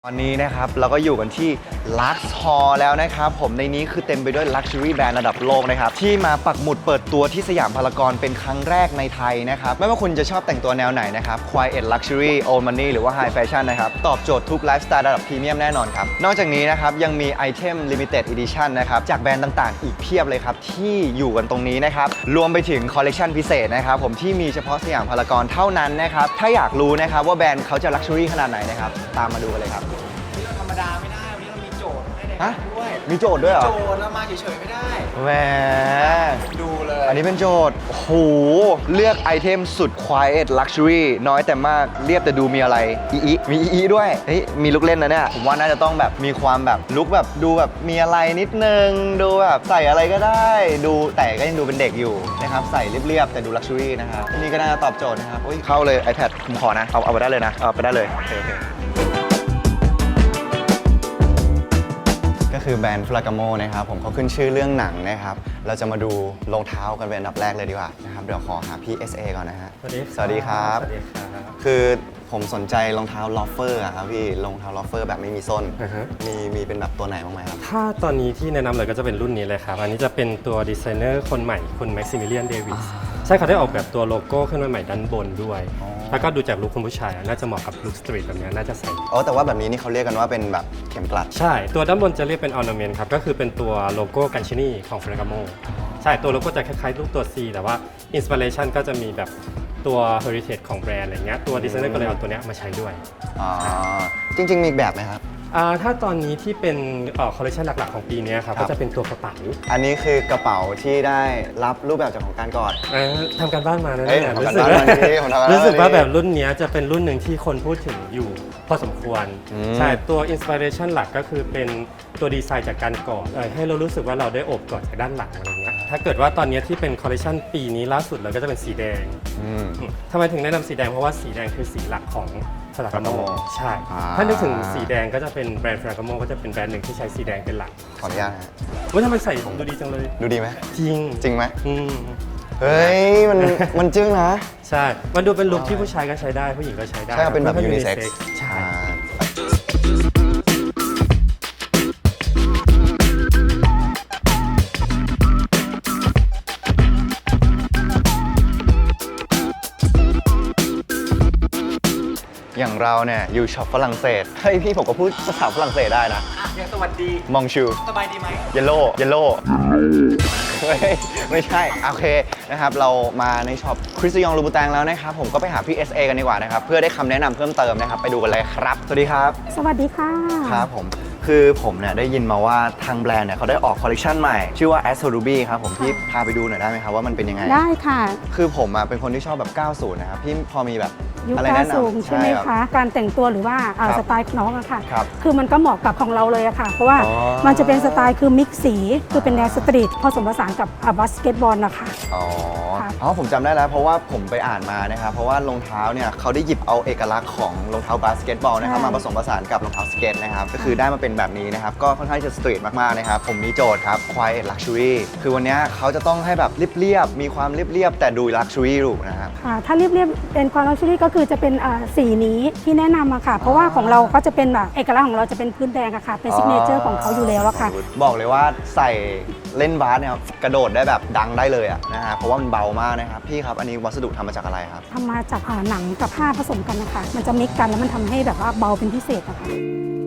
ตอนนี้นะครับเราก็อยู่กันที่ Lux Hall แล้วนะครับผมในนี้คือเต็มไปด้วย Luxury Brand ระดับโลกนะครับที่มาปักหมุดเปิดตัวที่สยามพารากอนเป็นครั้งแรกในไทยนะครับไม่ว่าคุณจะชอบแต่งตัวแนวไหนนะครับ Quiet Luxury Old Money หรือว่า High Fashion นะครับตอบโจทย์ทุกไลฟ์สไตล์ระดับพรีเมียมแน่นอนครับนอกจากนี้นะครับยังมีไอเทม Limited Edition นะครับจากแบรนด์ต่างๆอีกเพียบเลยครับที่อยู่กันตรงนี้นะครับรวมไปถึงคอลเลคชันพิเศษนะครับผมที่มีเฉพาะสยามพารากอนเท่านั้นนะครับถ้าอยากรู้นะครับว่าแบรนด์เขาจะ Luxury ขนาดไหนนะครับตามมาดูกันเลยครับธรรมดาไม่ได้วันนี้เรามีโจทย์ให้ในฮะด้วยมีโจทย์ด้วยเหรอโจทย์เรามาเฉยๆไม่ได้แหมดูเลยอันนี้เป็นโจทย์โอ้โหเลือกไอเทมสุด Quiet Luxury น้อยแต่มากเรียบแต่ดูมีอะไรมีด้วยเฮ้ยมีลุกเล่นนะเนี่ยผมว่าน่าจะต้องแบบมีความแบบลุกแบบดูแบบมีอะไรนิดนึงดูแบบใส่อะไรก็ได้ดูแต่ก็ยังดูเป็นเด็กอยู่นะครับใส่เรียบๆแต่ดู Luxury นะครับนี่ก็น่าจะตอบโจทย์นะครับอุ๊ยเข้าเลย iPad ผมขอนะเอาไปได้เลยนะเอาไปได้เลยโอเคก็คือแบรนด์ฟลากาโมนะครับผมเขาขึ้นชื่อเรื่องหนังนะครับเราจะมาดูรองเท้ากันเป็นอันดับแรกเลยดีกว่านะครับเดี๋ยวขอหาพี่ SA ก่อนนะฮะสวัสดีครับคือผมสนใจรองเท้าลอฟเฟอร์ครับพี่รองเท้าลอฟเฟอร์แบบไม่มีส้นมีเป็นแบบตัวไหนบ้างไหมครับถ้าตอนนี้ที่แนะนำเลยก็จะเป็นรุ่นนี้เลยครับอันนี้จะเป็นตัวดีไซเนอร์คนใหม่คุณแม็กซิมิเลียนเดวิสใช่เขาได้ออกแบบตัวโลโก้ขึ้นมาใหม่ด้านบนด้วยแล้วก็ดูจากลุคคุณผู้ชายน่าจะเหมาะกับลุคสตรีทแบบนี้น่าจะใส่อ๋อแต่ว่าแบบนี้นี่เขาเรียกกันว่าเป็นแบบเข็มกลัดใช่ตัวด้านบนจะเรียกเป็นออร์นาเมนต์ครับก็คือเป็นตัวโลโก้กันชินีของเฟรกาโมใช่ตัวโลโก้จะคล้ายๆรูปตัว C แต่ว่าอินสปิเรชันก็จะมีแบบตัว heritage ของแบรนด์อะไรเงี้ยตัวดีไซเนอร์ก็เลยเอาตัวเนี้ยมาใช้ด้วยอ๋อจริงๆมีแบบไหมครับถ้าตอนนี้ที่เป็นคอลเลคชันหลักๆของปีนี้ครับก็จะเป็นตัวกระเป๋าอันนี้คือกระเป๋าที่ได้รับรูปแบบจากของการก่อนทำการบ้านมานะเนี่ยรู้สึกว่าแบบรุ่นนี้จะเป็นรุ่นหนึ่งที่คนพูดถึงอยู่พอสมควรใช่ตัวอินสปิเรชันหลักก็คือเป็นตัวดีไซน์จากการก่อให้เรารู้สึกว่าเราได้โอบกอดจากด้านหลังอะไรเงี้ยถ้าเกิดว่าตอนนี้ที่เป็นคอลเลคชันปีนี้ล่าสุดเราก็จะเป็นสีแดงทำไมถึงแนะนำสีแดงเพราะว่าสีแดงคือสีหลักของฟรากาโมใช่ถ้านึกถึงสีแดงก็จะเป็นแบรนด์ฟรากาโมก็จะเป็นแบรนด์หนึ่งที่ใช้สีแดงเป็นหลักขออนุญาตฮะว่าทำไมใส่ดูดีจังเลยดูดีไหมจริงไหมเฮ้ยมันจึ้งนะใช่มันดูเป็นลุคที่ผู้ชายก็ใช้ได้ผู้หญิงก็ใช้ได้ใช่เป็นแบบยูนิเซ็กซ์ใช่อย่างเราเนี่ยอยู่ช็อปฝรั่งเศสเฮ้ยพี่ผมก็พูดภาษาฝรั่งเศสได้นะอย่างสวัสดีมองชูสบายดีไหมเยลโล่ไม่ใช่โอเคนะครับเรามาในช็อปคริสติยองลูบูแตงแล้วนะครับผมก็ไปหาพี่ SA กันดีกว่านะครับเพื่อได้คำแนะนำเพิ่มเติมนะครับไปดูกันเลยครับสวัสดีครับสวัสดีค่ะครับผมคือผมเนี่ยได้ยินมาว่าทางแบรนด์เนี่ยเขาได้ออกคอลเลคชันใหม่ชื่อว่า Astro Ruby ครับผมพี่พาไปดูหน่อยได้ไหมครับว่ามันเป็นยังไงได้ค่ะคือผมเป็นคนที่ชอบแบบ 90 นะครับพี่พอมีแบบยุคอะไรแนะนำใช่ไหมคะการแต่งตัวหรือว่าสไตล์น้องอะค่ะคือมันก็เหมาะกับของเราเลยอะค่ะเพราะว่ามันจะเป็นสไตล์คือมิกซ์สีคือเป็นแนวสตรีทผสมผสานกับบาสเกตบอลนะคะอ๋อผมจำได้แล้วเพราะว่าผมไปอ่านมานะครับเพราะว่ารองเท้าเนี่ยเขาได้หยิบเอาเอกลักษณ์ของรองเท้าบาสเกตบอลนะครับมาผสมผสานกับรองเท้าสเก็ตนะครับก็คือได้มาเป็นแบบนี้นะครับก็ค่อนข้างจะสตรีทมากๆนะครับผมมีโจทย์ครับ Quiet Luxury คือวันนี้เขาจะต้องให้แบบเรียบๆมีความเรียบๆแต่ดู Luxury อยู่นะครับถ้าเรียบๆเป็นความ Luxury ก็คือจะเป็นสีนี้ที่แนะนำอะค่ะเพราะว่าของเราก็จะเป็นแบบเอกลักษณ์ของเราจะเป็นพื้นแดงอะค่ะเป็นซิกเนเจอร์ของเขาอยู่แล้วอะค่ะบอกเลยว่าใส่เล่นบาสเนี่ยกระโดดได้แบบดังได้เลยอะนะฮะเพราะว่ามันเบามากนะครับพี่ครับอันนี้วัสดุทำมาจากอะไรครับทำมาจากหนังกับผ้าผสมกันนะคะมันจะมิกกันแล้วมันทำให้แบบว่าเบาเป็นพิเศษอะค่ะ